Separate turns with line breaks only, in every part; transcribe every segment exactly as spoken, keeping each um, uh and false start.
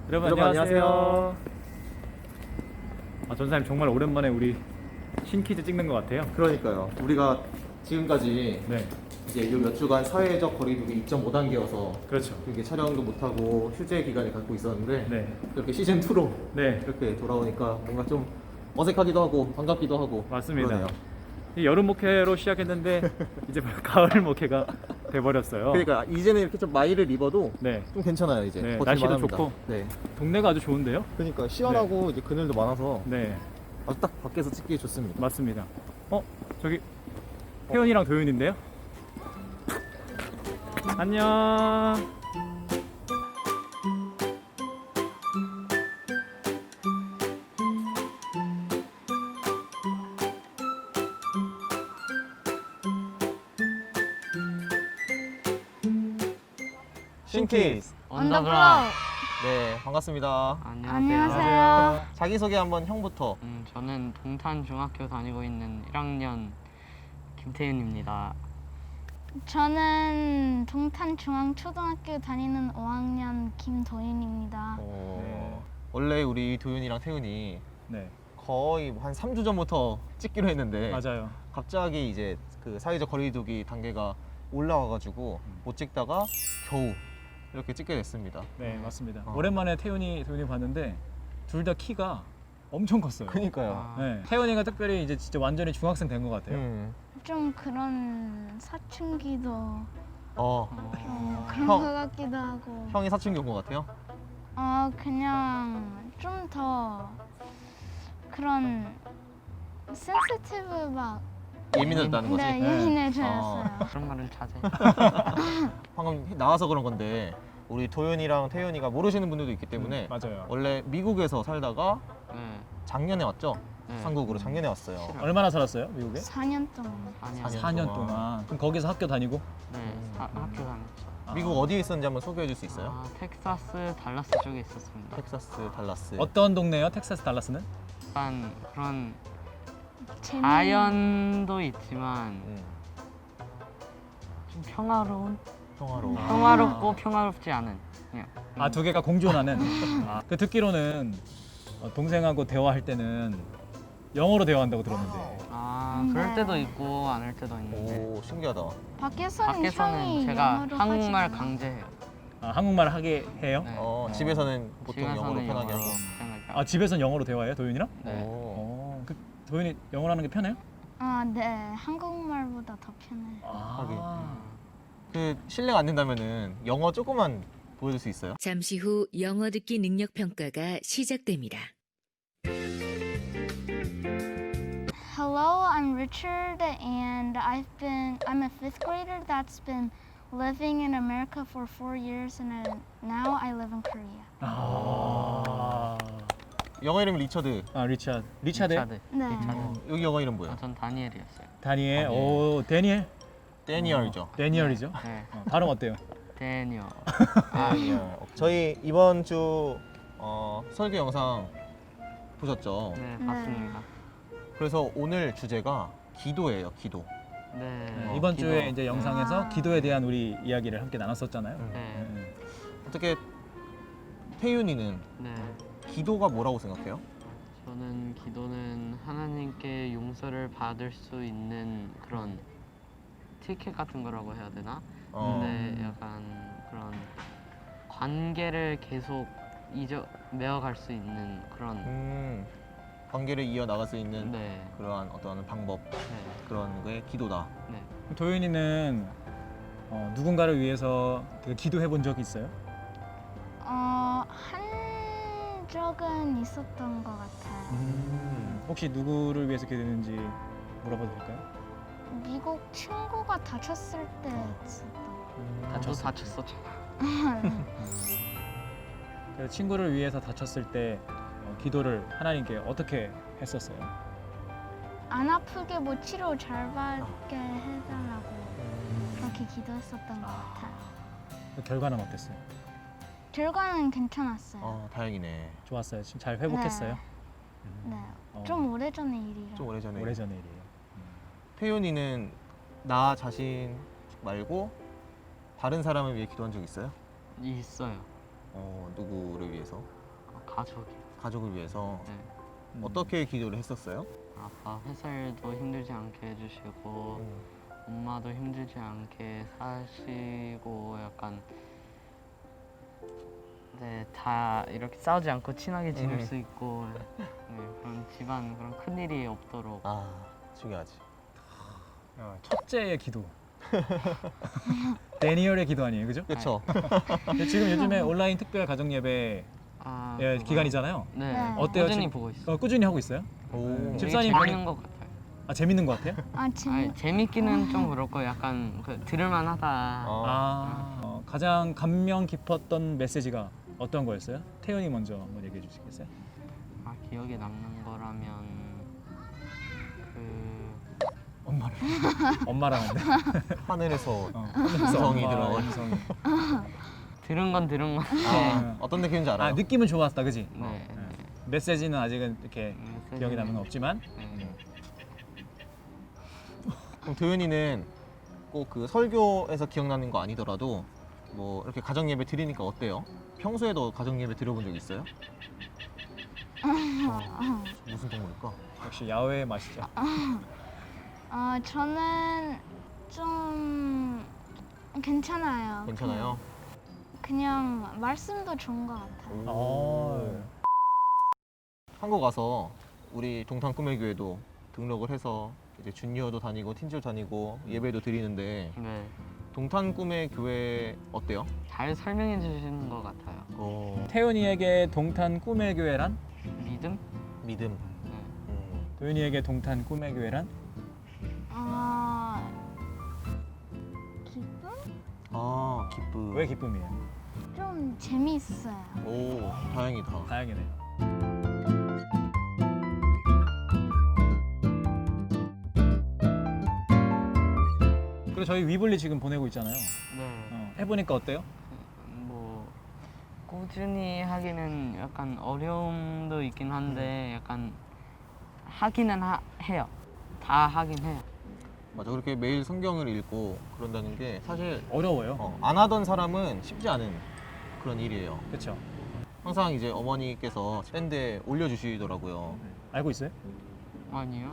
여러분,
여러분
안녕하세요.
안녕하세요.
아, 전사님 정말 오랜만에 우리 신퀴즈 찍는 것 같아요.
그러니까요. 우리가 지금까지
네,
이제 요 몇 주간 사회적 거리두기 이 점 오 단계여서
그렇죠.
이렇게 촬영도 못하고 휴재 기간을 갖고 있었는데
네,
이렇게 시즌 이로
네,
이렇게 돌아오니까 뭔가 좀 어색하기도 하고 반갑기도 하고
맞습니다.
그러네요.
이 여름 목회로 시작했는데 이제 가을 목회가 돼버렸어요.
그러니까 이제는 이렇게 좀 마이를 입어도
네,
좀 괜찮아요 이제.
네,
버틸만
날씨도
합니다.
좋고.
네.
동네가 아주 좋은데요.
그러니까 시원하고 이제 그늘도 많아서
네,
아주 딱 밖에서 찍기 좋습니다.
맞습니다. 어, 저기 태연이랑 도윤인데요. 안녕.
신키즈.
언더블럭.
네, 반갑습니다.
안녕하세요.
자기소개 한번 형부터.
음, 저는 동탄 중학교 다니고 있는 일 학년 김태윤입니다.
저는 동탄 중앙초등학교 다니는 오 학년 김도윤입니다.
어, 원래 우리 도윤이랑 태윤이
네,
거의 한 삼 주 전부터 찍기로 했는데
맞아요.
갑자기 이제 그 사회적 거리두기 단계가 올라와가지고 못 찍다가 겨우 이렇게 찍게 됐습니다.
네, 맞습니다.
어.
오랜만에 태윤이 도윤이 봤는데 둘 다 키가 엄청 컸어요.
그니까요.
아,
네, 태연이가 특별히 이제 진짜 완전히 중학생 된 것 같아요.
음.
좀 그런 사춘기도
어,
어,
좀 그런
형.
것 같기도 하고
형이 사춘기 온 것 같아요?
어 그냥 좀 더 그런 센시티브 막
예민해졌다는 거지?
네,
네.
예민해졌어요.
그런 말을 자제.
방금 나와서 그런 건데 우리 도윤이랑 태윤이가 모르시는 분들도 있기 때문에
음, 맞아요.
원래 미국에서 살다가
네.
작년에 왔죠?
네.
한국으로 작년에 왔어요.
얼마나 살았어요, 미국에?
사 년 동안.
아니요.
사 년
사 년
동안.
동안. 그럼 거기서 학교 다니고?
네. 사- 학교 다녔죠.
아.
미국 어디에 있었는지 한번 소개해 줄 수 있어요?
아, 텍사스 달라스 쪽에 있었습니다.
텍사스, 달라스.
어떤 동네요, 텍사스 달라스는?
약간 그런
재밌는
자연도 있지만
음,
좀 평화로운,
평화로워.
아.
평화롭고 평화롭지 않은. 그냥.
아, 두 개가 공존하는. 아, 그 듣기로는 어, 동생하고 대화할 때는 영어로 대화한다고 들었는데.
아, 그럴 때도 있고 안 할 때도 있는데.
오, 신기하다.
밖에서는,
밖에서는
형이
제가
영어로
한국말
하지 않아.
강제해요.
아, 한국말 하게 해요?
네.
어, 집에서는 보통 영어로
집에서는
편하게
영어로
하고.
편하게
아, 집에선 영어로 대화해요, 도윤이랑?
네.
오.
어, 그 도윤이 영어로 하는 게 편해요?
아, 네. 한국말보다 더 편해요.
아,
그 실례가 안 된다면은 영어 조금만 보여줄 수 있어요?
잠시 후 영어 듣기 능력 평가가 시작됩니다.
Hello, I'm Richard, and I've been I'm a fifth grader that's been living in America for four years, and I, now I live in Korea.
아,
영어 이름이 리처드.
아 리차드. 리차드?
리차드.
네.
리차드.
어, 여기 영어 이름
아,
뭐예요?
전 다니엘이었어요.
다니엘.
다니엘.
오, 데니엘.
데니얼이죠.
데니얼이죠.
네.
어, 발음 어때요?
데니얼.
데니얼. 저희 이번 주 어, 설교 영상 보셨죠?
네,
네.
봤습니다.
그래서 오늘 주제가 기도예요, 기도.
네.
네,
어,
이번
기도.
주에 이제 영상에서
아.
기도에 대한 우리 이야기를 함께 나눴었잖아요.
음.
네.
음.
어떻게 태윤이는
네.
기도가 뭐라고 생각해요?
저는 기도는 하나님께 용서를 받을 수 있는 그런 티켓 같은 거라고 해야 되나?
어.
근데 약간 그런 관계를 계속 잊어 메어갈 수 있는 그런
음, 관계를 이어 나갈 수 있는
네.
그러한 어떤 방법,
네.
그런 게 기도다.
네.
도윤이는 어, 누군가를 위해서 되게 기도해 본 적이 있어요?
어, 한 적은 있었던 것 같아요.
음.
혹시 누구를 위해서 기도했는지 물어봐도 될까요?
미국 친구가 다쳤을 때 있었던.
나도
다쳤을
다쳤었잖아.
그래서 친구를 위해서 다쳤을 때 어, 기도를 하나님께 어떻게 했었어요?
안 아프게 뭐 치료 잘 받게 해달라고 그렇게 기도했었던 것 같아요.
그 결과는 어땠어요?
결과는 괜찮았어요.
어, 다행이네.
좋았어요. 지금 잘 회복했어요?
네,
어,
좀 오래전의 일이라.
좀 오래전에.
오래전의 일이에요.
태윤이는 나 자신 말고 다른 사람을 위해 기도한 적 있어요?
있어요.
어, 누구를 위해서?
어, 가족이.
가족을 위해서.
네.
음.
어떻게 기도를 했었어요?
아빠 회사일도 힘들지 않게 해주시고
음.
엄마도 힘들지 않게 사시고 약간 네, 다 이렇게 싸우지 않고 친하게 지낼
음.
수 있고 네, 그런 집안 그런 큰 일이 없도록
아, 중요하지.
야, 첫째의 기도. 데니얼의 기도 아니에요, 그죠?
그렇죠.
근데 지금 요즘에 온라인 특별 가정 예배
아,
예,
그거-
기간이잖아요.
네,
네.
어때요?
꾸준히
지금?
보고 있어요.
어, 꾸준히 하고 있어요?
오.
되게
집사님
재밌는 것 같아요.
아 재밌는 것 같아요?
아, 재미.
아니, 재밌기는 좀 그렇고 약간 그 들을만하다.
어.
아 어, 가장 감명 깊었던 메시지가 어떤 거였어요? 태연이 먼저 한번 얘기해 주시겠어요?
아, 기억에 남는 거라면 그
엄마를 엄마라는데
하늘에서
어.
음성이
엄마,
들어.
음성이.
들은 건 들은 건.
아, 어떤 느낌인지 알아요?
아 느낌은 좋았다, 그지?
네.
어,
네.
네. 메시지는 아직은 이렇게
메시지는-
기억에 남는 건 없지만
네.
그럼 도윤이는 꼭 그 설교에서 기억나는 거 아니더라도 뭐 이렇게 가정 예배 드리니까 어때요? 평소에도 가정 예배 드려본 적 있어요? 어, 무슨 동물일까?
역시 야외의 맛이죠.
어, 저는 좀 괜찮아요.
괜찮아요?
그냥, 그냥 말씀도 좋은 것 같아요.
어.
한국 와서 우리 동탄 꿈의 교회도 등록을 해서 이제 주니어도 다니고 틴즈도 다니고 예배도 드리는데
네.
동탄 꿈의 교회 어때요?
잘 설명해 주시는 것 같아요.
어,
태연이에게 동탄 꿈의 교회란?
믿음?
믿음.
네.
음.
도윤이에게 동탄 꿈의 교회란?
어, 기쁨?
아, 기쁨.
왜 기쁨이에요?
좀 재미있어요.
오, 다행이다.
다행이네요. 그리고 저희 위블리 지금 보내고 있잖아요.
네.
어, 해보니까 어때요?
뭐 꾸준히 하기는 약간 어려움도 있긴 한데 약간 하기는 하, 해요. 다 하긴 해요.
맞아, 그렇게 매일 성경을 읽고 그런다는 게 사실
어려워요.
어, 안 하던 사람은 쉽지 않은 그런 일이에요.
그렇죠.
항상 이제 어머니께서 밴드에 올려주시더라고요.
알고 있어요?
아니요.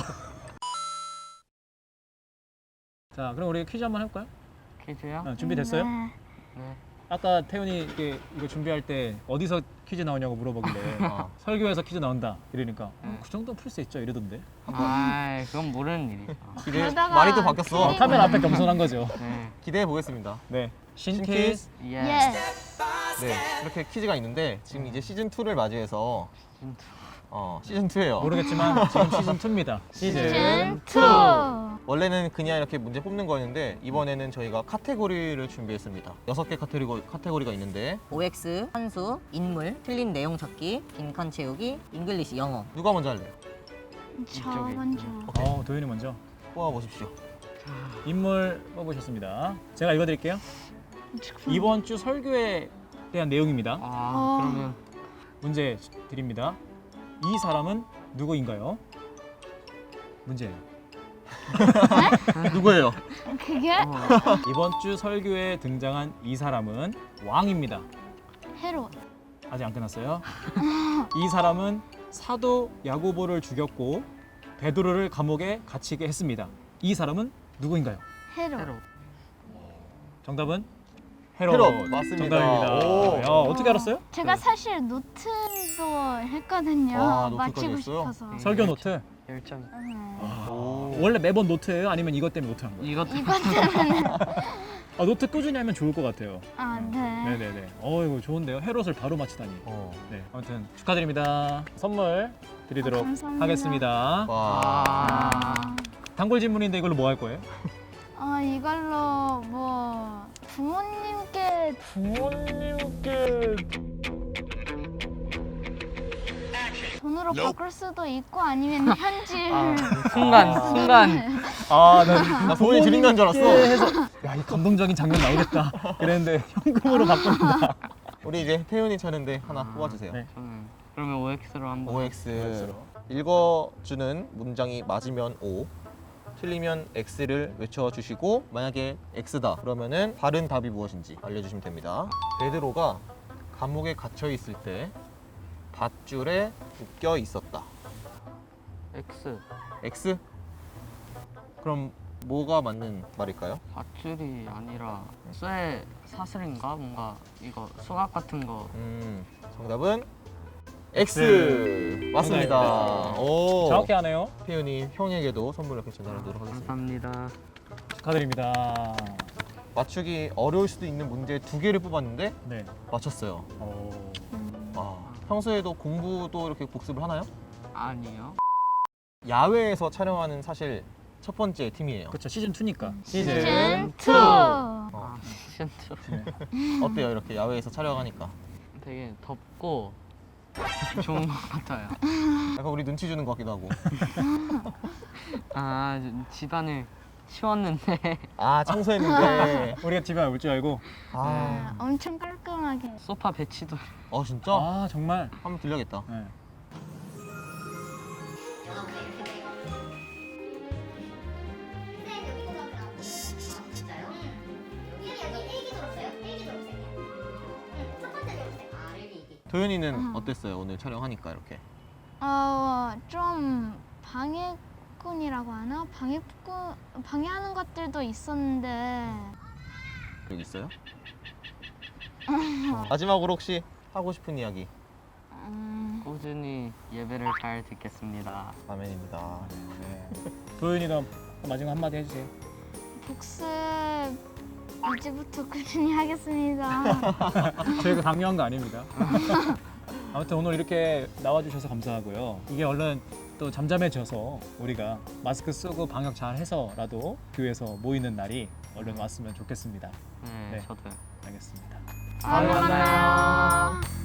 자, 그럼 우리 퀴즈 한번 해볼까요?
퀴즈요?
어, 준비됐어요?
네.
네.
아까 태훈이 이게 이거 준비할 때 어디서 퀴즈 나오냐고 물어보길래
아,
설교에서 퀴즈 나온다 이러니까 어,
네.
그 정도는 풀 수 있죠 이러던데.
아, 그건 모르는 일이죠.
기대,
그러다가
말이 또 바뀌었어.
틀리고.
카메라 앞에 겸손한 거죠.
네.
기대해 보겠습니다.
네.
신퀴즈.
신퀴즈.
예.
Yes.
네, 이렇게 퀴즈가 있는데 지금 이제 시즌 이를 맞이해서 어, 시즌 이예요.
모르겠지만 지금 시즌 이입니다.
시즌
시즌
투.
원래는 그냥 이렇게 문제 뽑는 거였는데 이번에는 저희가 카테고리를 준비했습니다. 여섯 개 카테고리, 카테고리가 있는데
오엑스, 한수, 인물, 틀린 내용 찾기, 빈칸 채우기, 잉글리시, 영어.
누가 먼저 할래요?
저
이쪽에.
먼저.
어, 도윤이 먼저.
뽑아보십시오.
인물 뽑으셨습니다. 제가 읽어드릴게요. 이번 주 설교에 대한 내용입니다.
아,
어.
그러면
문제 드립니다. 이 사람은 누구인가요? 문제예요.
누구예요?
그게
어,
이번 주 설교에 등장한 이 사람은 왕입니다.
헤롯.
아직 안 끝났어요. 이 사람은 사도 야고보를 죽였고 베드로를 감옥에 갇히게 했습니다. 이 사람은 누구인가요?
헤롯.
새로.
정답은 헤롯.
헤롯, 맞습니다.
정답입니다.
오.
야, 어떻게 알았어요?
제가 사실 노트도 했거든요.
아, 노트까지
맞히고
했어요?
싶어서.
네.
설교 노트.
열정.
네.
오.
원래 매번 노트예요? 아니면 이것 때문에 노트한 거예요?
이것도
이것 때문에.
아, 노트 꾸준히 하면 좋을 것 같아요.
아, 네.
네네네. 어, 이거 좋은데요. 헤롯을 바로 맞히다니.
어.
네, 아무튼 축하드립니다. 선물 드리도록
아, 감사합니다.
하겠습니다.
와.
아,
단골 질문인데 이걸로 뭐 할 거예요?
어, 이걸로 뭐 부모님께
부모님께
돈으로 바꿀 수도 있고 아니면 현질.
순간 순간
아, 나,
나 부모님 드린다는 줄 알았어.
해서 야, 이 감동적인 장면 나오겠다. 그랬는데 현금으로 바꾼다.
우리 이제 태윤이 차례인데 하나 뽑아주세요.
네.
저는 그러면 오엑스로 한번.
오엑스. 읽어주는 문장이 맞으면 O, 틀리면 X를 외쳐주시고 만약에 X다 그러면은 다른 답이 무엇인지 알려주시면 됩니다. 베드로가 감옥에 갇혀 있을 때 밧줄에 묶여 있었다.
X.
X? 그럼 뭐가 맞는 말일까요?
밧줄이 아니라 쇠 사슬인가? 뭔가 이거 수학 같은 거.
음, 정답은 X.
X.
맞습니다.
정답입니다.
오.
정확히 하네요.
태윤이 형에게도 선물 이렇게 전달하도록 하겠습니다.
감사합니다.
축하드립니다.
맞추기 어려울 수도 있는 문제 두 개를 뽑았는데
네.
맞췄어요.
오.
아, 평소에도 공부도 이렇게 복습을 하나요?
아니요.
야외에서 촬영하는 사실 첫 번째 팀이에요.
그렇죠. 시즌 이니까.
시즌 투.
어,
아, 시즌 투.
어때요? 이렇게 야외에서 촬영하니까?
되게 덥고 좋은 것 같아요.
약간 우리 눈치 주는 것 같기도 하고.
아, 집안을 치웠는데
아, 청소했는데.
우리가 집에 올 줄 알고.
아,
엄청 깔끔하게.
소파 배치도
어, 진짜?
아, 정말.
한번 들려야겠다.
네.
도현이는
음.
어땠어요? 오늘 촬영하니까 이렇게.
어, 좀 방해꾼이라고 하나? 방해꾼, 방해하는 것들도 있었는데
여기 있어요? 마지막으로 혹시 하고 싶은 이야기?
음,
꾸준히 예배를 잘 듣겠습니다.
아멘입니다.
네. 도윤이도 마지막 한마디 해주세요.
복습 이제부터 꾸준히 하겠습니다.
저희가 강요한 거 아닙니다. 아무튼 오늘 이렇게 나와주셔서 감사하고요. 이게 얼른 또 잠잠해져서 우리가 마스크 쓰고 방역 잘 해서라도 교회에서 모이는 날이 얼른 왔으면 좋겠습니다.
네,
네.
저도요.
알겠습니다.
다음에 만나요.